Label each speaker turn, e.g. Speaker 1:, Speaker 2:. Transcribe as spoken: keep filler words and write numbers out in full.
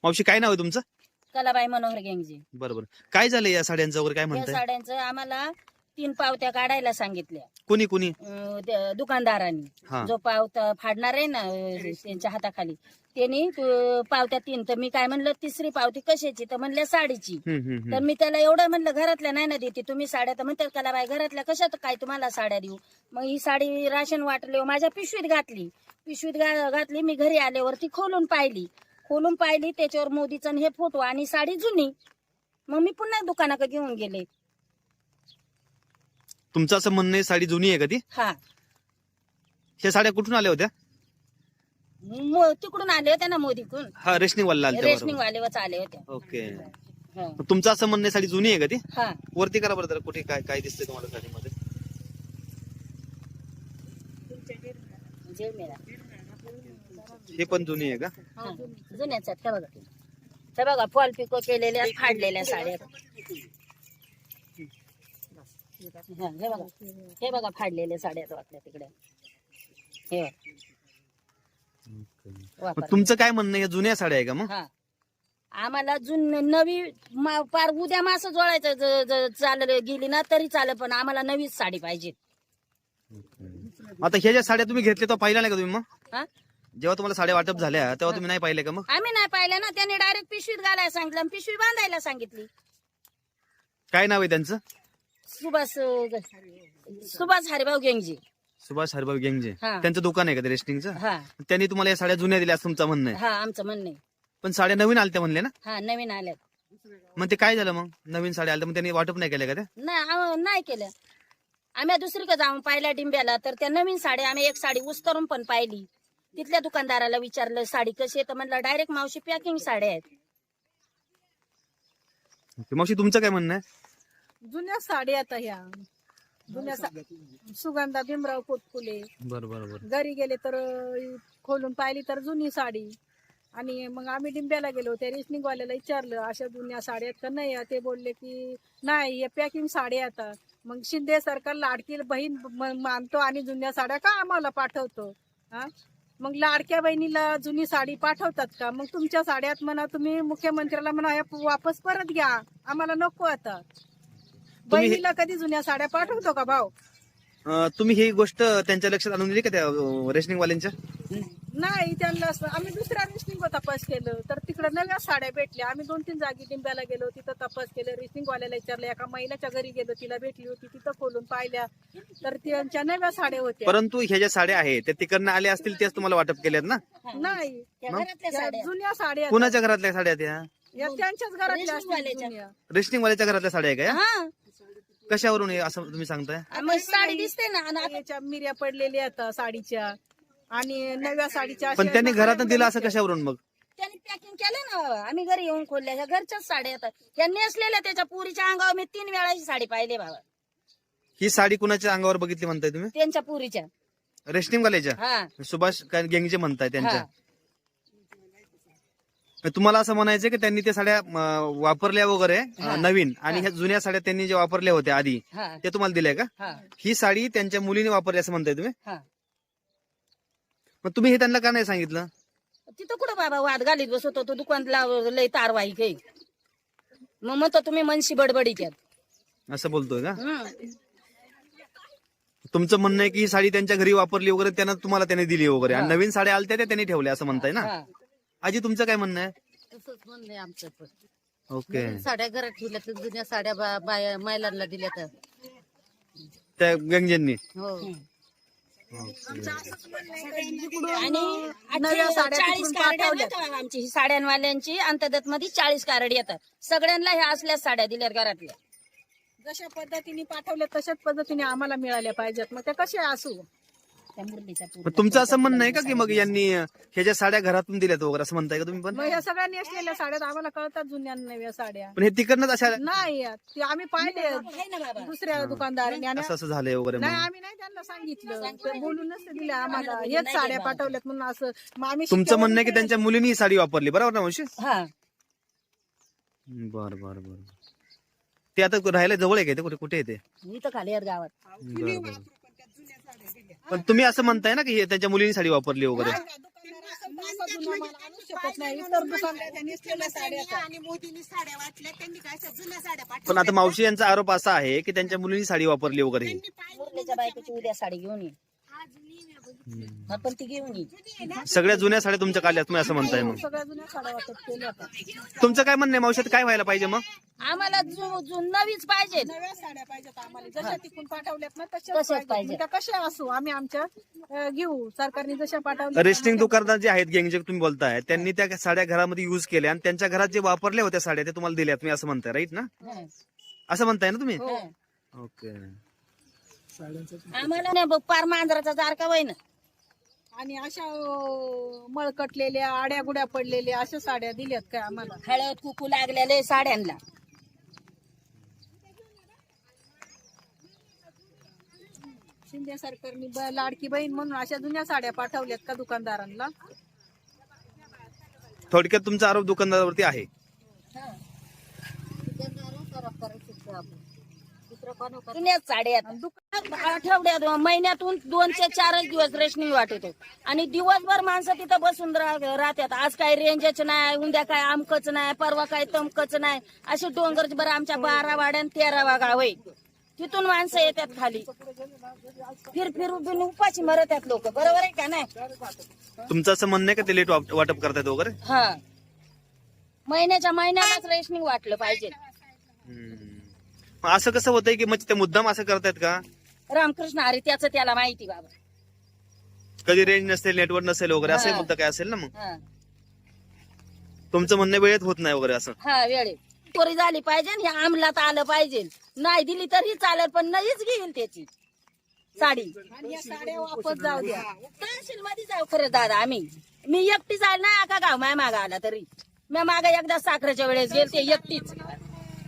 Speaker 1: मावशी काय नाव आहे तुमचं?
Speaker 2: कलाबाई मनोहर गेंगजी.
Speaker 1: बरोबर. काय झालं या साड्यांचं वगैरे काय
Speaker 2: या
Speaker 1: म्हणताय?
Speaker 2: साड्यांचं आम्हाला तीन पावत्या काढायला सांगितल्या
Speaker 1: कुणी कुणी
Speaker 2: अं, त्या दुकानदारांनी.
Speaker 1: हा
Speaker 2: जो पावता फाडणार आहे ना अं, त्यांच्या हाताखाली त्यांनी तू- पावत्या तीन. तर मी काय म्हणलं तिसरी पावती कशाची? तर म्हणल्या साडीची.
Speaker 1: हम्म, हम्म, हम्म.
Speaker 2: तर मी त्याला एवढं म्हणलं घरातल्या नाही ना देते तुम्ही साड्या. तर म्हणतात कलाबाई घरातल्या कशात काय तुम्हाला साड्या देऊ. मग ही साडी राशन वाटले माझ्या पिशवीत घातली. पिशवीत घा- घातली. मी घरी आल्यावरती खोलून पाहिली. खोलून पाहिली त्याच्यावर मोदीचा हे फोटो आणि साडी जुनी. मग मी पुन्हा दुकानाकडे घेऊन गेले.
Speaker 1: तुमचं असं म्हणणं आहे साडी जुनी आहे का ती?
Speaker 2: हा
Speaker 1: ह्या साड्या कुठून आल्या होत्या?
Speaker 2: मो- तिकडून आले होते ना मोदीकडून.
Speaker 1: हा रेशनिंग वाला आल्या
Speaker 2: रेशनिंग वालेवरच आले होते.
Speaker 1: ओके.
Speaker 2: हा.
Speaker 1: तुमचं असं म्हणणं आहे साडी जुनी आहे का ती?
Speaker 2: हा
Speaker 1: वरती करा बरं जरा, कुठे काय काय दिसतंय तुम्हाला साडीमध्ये?
Speaker 2: जेल मेला.
Speaker 1: हे पण जुनी आहे का?
Speaker 2: हा. जुन्याच आहेत. हे बघा हे बघा फॉल पिको केलेल्या फाडलेल्या साड्या. हा, हे बघा हे बघा फाडलेल्या साड्या आहेत आपल्या तिकडे. हे बघा.
Speaker 1: मग
Speaker 2: वापर.
Speaker 1: तुमचं काय म्हणणं आहे, या जुन्या साड्या आहे का मग?
Speaker 2: हा आम्हाला जुन नवी मा- पार उद्या मासं जोडायचं ज- ज- चाललं गेली ना तरी चालेल पण आम्हाला नवीच साडी पाहिजे.
Speaker 1: आता ह्या ज्या साड्या तुम्ही घेतल्या तर पाहिल्या नाही का तुम्ही? मग
Speaker 2: हा
Speaker 1: जेव्हा तुम्हाला साड्या वाटप झाल्या तेव्हा तुम्ही नाही पाहिल्या का मग?
Speaker 2: आम्ही नाही पाहिलं ना. त्याने डायरेक्ट पिशवीत घालायला सांगितलं आणि पिशवी बांधायला सांगितली.
Speaker 1: काय नाव आहे त्यांचं?
Speaker 2: सुभाष सुभाष हरिभाऊ गेंगजी.
Speaker 1: सुभाष हरभाऊ गेंगजे.
Speaker 2: हा.
Speaker 1: त्यांचं दुकान आहे का ते रेस्टिंगचं?
Speaker 2: हा
Speaker 1: त्यांनी तुम्हाला या साड्या जुन्या दिल्या असं तुमचं म्हणणं आहे.
Speaker 2: हा आमचं म्हणणं आहे.
Speaker 1: पण साड्या नवीन आलत्या म्हणले ना?
Speaker 2: हा नवीन आल्यात.
Speaker 1: मग ते काय झालं मग? नवीन साड्या आल्या मग त्यांनी वाटप नाही केल्या का ते?
Speaker 2: नाही आम- नाही केलं. आम्ही दुसरीकडे जाऊन पाहिल्या डिंब्याला तर त्या नवीन साड्या आम्ही एक साडी उस्तरून पण पाहिली. तिथल्या दुकानदाराला विचारलं साडी कशी आहे तर म्हणलं डायरेक्ट मावशी पॅकिंग साड्या आहेत.
Speaker 1: मावशी तुमचं काय म्हणणं आहे?
Speaker 3: जुन्या साड्या आता ह्या जुन्या सा- सुगंधा भीमराव पोटकुले.
Speaker 1: बरं बरं बरं.
Speaker 3: घरी गेले तर अं, खोलून पाहिली तर जुनी साडी. आणि मग आम्ही डिंब्याला गेलो त्या रेशनिंग वाल्याला विचारलं अशा जुन्या साड्या आहेत का नाही. ते बोलले की नाही हे पॅकिंग साड्या आता. मग शिंदे सरकार लाडकी बहीण म- मानतो आणि जुन्या साड्या का आम्हाला पाठवतो. हा मग लाडक्या बहिणीला जुनी साडी पाठवतात का? मग तुमच्या साड्यात म्हणा तुम्ही मुख्यमंत्र्याला म्हणा ह्या वापस परत घ्या आम्हाला नको आता.
Speaker 1: तुम्ही हे-
Speaker 3: बहिणीला कधी जुन्या साड्या पाठवतो का भाऊ?
Speaker 1: अं, तुम्ही ही गोष्ट त्यांच्या लक्षात आणून दिली का त्या रेशनिंग वाल्यांच्या?
Speaker 3: नाही त्यांना असं- आम्ही दुसऱ्या रेशनिंग तपास केलं तर तिकडे नव्या साड्या भेटल्या. आम्ही दोन तीन जागी डिंब्याला गेलो तिथं तपास केलं. रेशनिंग वाल्याला विचारलं. एका महिन्याच्या घरी गेलो तिला भेटली होती तिथं खोलून पाहिल्या तर त्यांच्या नव्या साड्या होत्या.
Speaker 1: परंतु ह्या ज्या साड्या आहेत त्या तिकडनं आल्या असतील त्याच तुम्हाला वाटप केल्यात ना?
Speaker 3: नाही
Speaker 2: त्या घरातल्या
Speaker 3: त्या
Speaker 2: साड्या
Speaker 3: जुन्या साड्या
Speaker 1: कुणाच्या घरातल्या साड्या त्या?
Speaker 3: या त्यांच्याच घरातल्या असतील
Speaker 2: रेशनिंगवाल्याच्या.
Speaker 3: जुन्या.
Speaker 1: रेशनिंग वाल्याच्या घरातल्या साड्या आहे का या?
Speaker 2: हा
Speaker 1: कशावरून हे असं तुम्ही सांगताय?
Speaker 2: मग साडी दिसते ना आणि आता
Speaker 3: याच्या मिऱ्या पडलेल्या आता साडीच्या आणि नव्या साडीच्या
Speaker 1: पण
Speaker 3: अशा
Speaker 1: त्यांनी
Speaker 3: नव्या
Speaker 1: घरातून दिलं असं कशावरून मग?
Speaker 2: त्यांनी पॅकिंग केलं ना. आम्ही घरी येऊन खोलल्या ह्या घरच्याच साड्या येतात. ह्या नेसलेल्या त्याच्या पुरीच्या अंगावर मी तीन वेळा ही साडी पाहिली बाबा.
Speaker 1: ही साडी कुणाच्या अंगावर बघितली म्हणताय तुम्ही?
Speaker 2: त्यांच्या पुरीच्या.
Speaker 1: रेशनिंग वाल्याच्या?
Speaker 2: हा
Speaker 1: सुभाष काय गेंगजे म्हणताय त्यांच्या?
Speaker 2: हा.
Speaker 1: तुम्हाला असं म्हणायचं की त्यांनी त्या साड्या अं, वापरल्या वगैरे अं,
Speaker 2: हा.
Speaker 1: नवीन आणि
Speaker 2: हा.
Speaker 1: ह्या जुन्या साड्या त्यांनी ज्या वापरल्या होत्या आधी
Speaker 2: हा
Speaker 1: त्या तुम्हाला दिल्या का?
Speaker 2: हा
Speaker 1: ही साडी त्यांच्या मुलीने वापरली असं म्हणताय तुम्ही?
Speaker 2: हा
Speaker 1: मग तुम्ही हे त्यांना का नाही सांगितलं?
Speaker 2: तिथं कुठं बाबा वाद घालीत बसवतो तो दुकानला लय तारवाई काही. मग म्हणतो तुम्ही मनशी बडबडी त्यात.
Speaker 1: असं बोलतोय का?
Speaker 2: हम्म.
Speaker 1: तुमचं म्हणणं आहे की ही साडी त्यांच्या घरी वापरली वगैरे त्यांना तुम्हाला त्याने दिली वगैरे आणि
Speaker 2: हा.
Speaker 1: नवीन साड्या आलत्या त्या त्यांनी ठेवल्या असं म्हणताय ना?
Speaker 2: हा.
Speaker 1: आजी तुमचं काय म्हणणं आहे?
Speaker 4: तसंच म्हणणं आहे आमचं पण.
Speaker 1: ओके.
Speaker 4: नवीन साड्या घरात ठेवल्या तर जुन्या साड्या बा- बाया- महिलांना दिल्या तर
Speaker 1: त्या गंगजेंनी
Speaker 4: हो
Speaker 2: आणि
Speaker 3: नव्या साड्या
Speaker 2: चाळीस
Speaker 3: तिकडून
Speaker 2: कार्ड
Speaker 3: पाठवल्या.
Speaker 2: येतात आमची ही साड्यांवाल्यांची अंतर्गत मध्ये चाळीस कार्ड येतात. सगळ्यांना ह्या असल्याच साड्या दिल्यात घरातल्या.
Speaker 3: जशा पद्धतीने पाठवल्या तशाच पद्धतीने आम्हाला मिळाल्या पाहिजेत. मग त्या कशा असू.
Speaker 2: त्या मुरलीच्या
Speaker 1: मग तुमचं असं म्हणणं आहे का की मग यांनी ह्या ज्या साड्या घरातून दिल्यात वगैरे असं म्हणताय का तुम्ही पण?
Speaker 3: मग ह्या सगळ्यांनी असलेल्या साड्यात आम्हाला कळतात जुन्या नव्या साड्या.
Speaker 1: पण हे तिकडनंच अशा
Speaker 3: नाही ते आम्ही पाहिले
Speaker 2: आहे ना बाबा.
Speaker 3: दुसऱ्या दुकानदारांनी आणि
Speaker 1: असं असं झालंय वगैरे
Speaker 3: नाही
Speaker 1: म्हणून.
Speaker 3: आम्ही नाही त्यांना सांगितलं ते बोलूनच दिल्या आम्हाला हेच साड्या पाठवल्यात म्हणून असं. मग आम्ही
Speaker 1: तुमचं
Speaker 3: शिक्क्यावरून
Speaker 1: म्हणणं आहे की त्यांच्या मुलीने ही साडी वापरली बरोबर ना मावशी?
Speaker 2: हा
Speaker 1: बर बर बर. ते आता राहायला जवळ आहे का ते? कुठे कुठे येते?
Speaker 2: इथं खाली आहेत गावात.
Speaker 1: पण तुम्ही असं म्हणताय ना की हे त्यांच्या मुलीने साडी वापरली वगैरे?
Speaker 3: असा जुना माल आणू शकत नाही. इतर दुकानदार नेसलेल्या साड्या आहेत.
Speaker 5: आणि मोदींनी साड्या वाटल्या, त्यांनी काय अशा जुन्या साड्या पाठवल्या.
Speaker 1: पण आता मावशी यांचा आरोप असा आहे की त्यांच्या मुलींनी साडी वापरली वगैरे.
Speaker 2: मुरलीच्या बायकोची उद्या साडी घेऊन ये, आपण ती घेऊन ये.
Speaker 1: सगळ्या जुन्या साड्या तुमच्या काढल्या तुम्ही असं म्हणताय मग.
Speaker 3: सगळ्या जुन्या साड्या वाटप केल्या आता.
Speaker 1: तुमचं काय म्हणणं आहे मावशी, काय व्हायला पाहिजे मग?
Speaker 2: आम्हाला जु- जु- नवीच पाहिजे.
Speaker 3: नव्या साड्या पाहिजेत आम्हाला. जशा तिकून पाठवल्यात ना
Speaker 2: तशाच
Speaker 3: तशाच
Speaker 2: पाहिजे.
Speaker 3: पाहिजे. त्या कशा असू आम्ही आमच्या अं, घेऊ. सरकारने जशा पाठवल्या
Speaker 1: रेस्टिंग दुकानदार जे आहेत गँग जे तुम्ही बोलताय त्यांनी त्या साड्या घरामध्ये युज केल्या आणि त्यांच्या घरात जे वापरल्या होत्या साड्या ते तुम्हाला दिल्या, तुम्ही असं म्हणताय राईट ना?
Speaker 2: हं.
Speaker 1: असं म्हणताय ना तुम्ही?
Speaker 2: हं.
Speaker 1: ओके.
Speaker 2: आम्हाला नाही बघ, पार मांजराचा जारका वय ना.
Speaker 3: आणि अशा अं, मळकटलेल्या आड्या गुड्या पडलेल्या अशा साड्या दिल्यात काय आम्हाला.
Speaker 2: हळद कुकू लागलेले साड्यांना.
Speaker 3: शिंदे सरकारने ब- लाडकी बहीण म्हणून अशा जुन्या साड्या पाठवल्यात का दुकानदारांना.
Speaker 1: थोडक्यात तुमचा आरोप दुकानदारावरती आहे.
Speaker 2: जुन्याच साड्या आहेत. दुकानात आठवड्यात महिन्यातून दोनशे चारच दिवस रेशनिंग वाटतो आणि दिवसभर माणसं तिथं बसून रा- राहतात. आज काय रेंजच नाही, उद्या काय आमकच नाही, परवा काय तमकच नाही, असे डोंगर बरं आमच्या बारा वाड्या आणि तेरा वागा होय. तिथून माणसं येतात खाली, फिर फिर उभी उपाशी मरतात लोक. बरोबर आहे का नाही?
Speaker 1: तुमचं असं म्हणणं आहे का ते लेट वाटप करतायत वगैरे?
Speaker 2: हा, महिन्याच्या महिन्यालाच रेशनिंग वाटलं पाहिजे.
Speaker 1: हम्म. मग असं कसं होतंय की म्हणजे ते मुद्दाम असं करतायत का?
Speaker 2: रामकृष्ण हरी त्याचं त्याला माहिती बाबा.
Speaker 1: कधी रेंज नसेल, नेटवर्क नसेल वगैरे असं
Speaker 2: हा.
Speaker 1: मुद्दा काय असेल ना मग.
Speaker 2: हा
Speaker 1: तुमचं म्हणणं वेळेत होत नाही वगैरे असं.
Speaker 2: हा वेळे चोरी झाली पाहिजे आणि हे अंमलात आलं पाहिजे. नाही दिली तरी चालेल, पण नाहीच घेईल त्याची साडी.
Speaker 3: आणि या साड्या वापस जाऊ द्या.
Speaker 2: तहसील मध्ये जाऊ खरं दादा. आम्ही मी एकटी जायला नाही, आका गाव माय मागा आला तरी. मी मागा एकदा साखरेच्या वेळेस गेलते एकटीच.